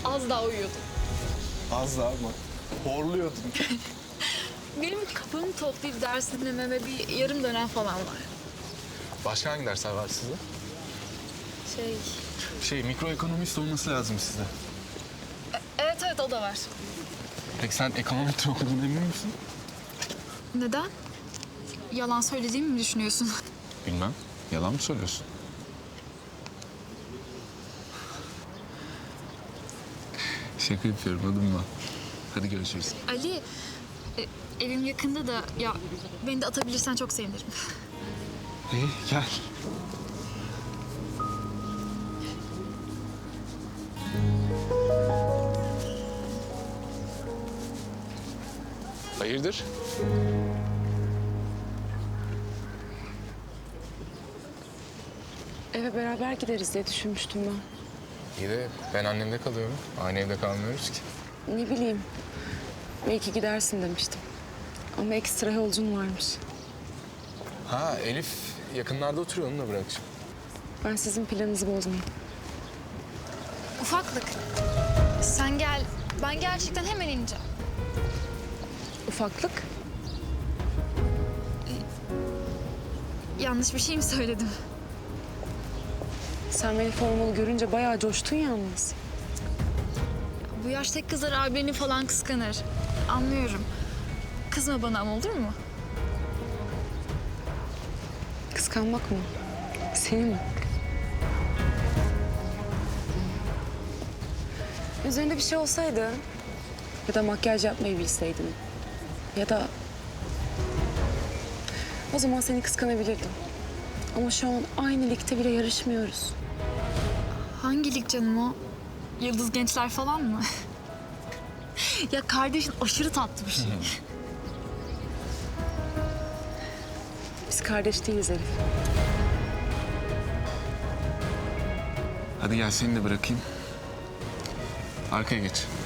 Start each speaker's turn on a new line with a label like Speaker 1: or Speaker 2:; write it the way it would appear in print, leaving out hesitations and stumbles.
Speaker 1: Az daha uyuyordum.
Speaker 2: Az daha mı? Horluyordun.
Speaker 1: Benim kafamı toplayıp ders dinlememe bir yarım dönem falan var.
Speaker 2: Başka hangi dersler var sizde? Mikroekonomist olması lazım sizde.
Speaker 1: Evet o da var.
Speaker 2: Peki sen ekonometri okudun emin misin?
Speaker 1: Neden? Yalan söylediğimi mi düşünüyorsun?
Speaker 2: Bilmem. Yalan mı söylüyorsun? Şaka yapıyorum adımla. Hadi görüşürüz.
Speaker 1: Ali, evim yakında da ya beni de atabilirsen çok sevinirim.
Speaker 2: İyi gel. Hayırdır?
Speaker 3: Eve beraber gideriz diye düşünmüştüm ben.
Speaker 2: İyi de ben annemde kalıyorum. Aynı evde kalmıyoruz ki.
Speaker 3: Ne bileyim. Belki gidersin demiştim. Ama ekstra yolcum varmış.
Speaker 2: Ha Elif yakınlarda oturuyor onunla bırakacağım.
Speaker 3: Ben sizin planınızı bozmayayım.
Speaker 1: Ufaklık, sen gel. Ben gerçekten hemen ineceğim.
Speaker 3: Ufaklık.
Speaker 1: Yanlış bir şey mi söyledim?
Speaker 3: Sen beni formalı görünce bayağı coştun yalnız.
Speaker 1: Bu yaştaki kızlar abini falan kıskanır. Anlıyorum. Kızma bana ama olur mu?
Speaker 3: Kıskanmak mı? Seni mi? Üzerinde bir şey olsaydı ya da makyaj yapmayı bilseydin ya da o zaman seni kıskanabilirdim. Ama şu an aynı ligde bile yarışmıyoruz.
Speaker 1: Hangi lig canım o? Yıldız Gençler falan mı? Ya kardeşin aşırı tatlı bir şey.
Speaker 3: Biz kardeş değiliz Elif.
Speaker 2: Hadi gel seni de bırakayım. Arkaya geç.